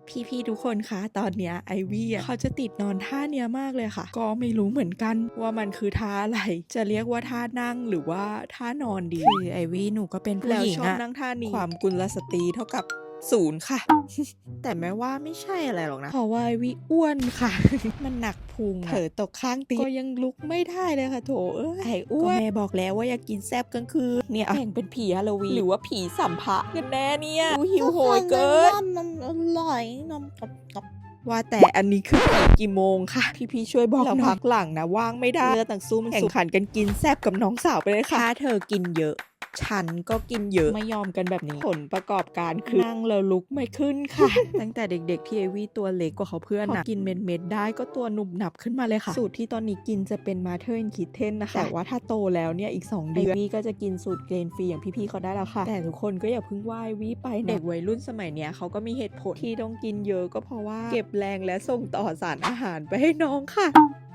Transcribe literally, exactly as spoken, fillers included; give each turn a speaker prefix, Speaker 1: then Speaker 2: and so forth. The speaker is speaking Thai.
Speaker 1: พี่ๆทุกคนคะตอนเนี้ยไอวี่อ่ะเขาจะติดนอนท่าเนี้ยมากเลยค่ะก็ไม่รู้เหมือนกันว่ามันคือท่าอะไรจะเรียกว่าท่านั่งหรือว่าท่านอนดีคือไอวี่หนูก็เป็นผู้หญิงอะแล้วชอบนั่งท่านี้ความกุลสตรีเท่ากับศูนย์ค่ะ แต่แม้ว่าไม่ใช่อะไรหรอกนะเพราะว่าไอวี่อ้วนค่ะ มันหนักพุงเผลอตกข้างตีก็ยังลุกไม่ได้เลยค่ะโถเอ้ยไอ้อ้วนก็แม่บอกแล้วว่าอยากกินแซบกลางคืนเนี่ยแต่งเป็นผีฮาโลวีนหรือว่าผีสัมภะกันแน่เนี่ยดูหิวโหยเกิน
Speaker 2: นมอร่อยนมกรอบ
Speaker 1: ว่าแต่อันนี้คือผีกี่โมงค่ะพี่ๆช่วยบอกเราพักหลังนะว่างไม่ได้เลือดต่างสู้มันแข่งขันกันกินแซบกับน้องสาวไปเลยค่ะถ้าเธอกินเยอะฉันก็กินเยอะไม่ยอมกันแบบนี้ผลประกอบการคือนั่งแล้วลุกไม่ขึ้นค่ะ ตั้งแต่เด็กๆที่เอวี่ตัวเล็กกว่าเขาเพื่อนนะกินเม็ดๆได้ก็ตัวหนุบหนับขึ้นมาเลยค่ะสูตรที่ตอนนี้กินจะเป็นมาเธอร์คิทเทนนะคะแต่ว่าถ้าโตแล้วเนี่ยอีกสองเดือนเอวี่ก็จะกินสูตรเกรนฟรีอย่างพี่ๆเขาได้แล้วค่ะแต่ทุกคนก็อย่าเพิ่งว่าเอวี่ไปเด็กวัยรุ่นสมัยเนี้ยเขาก็มีเหตุผลที่ต้องกินเยอะก็เพราะว่าเก็บแรงและส่งต่อสารอาหารไปให้น้องค่ะ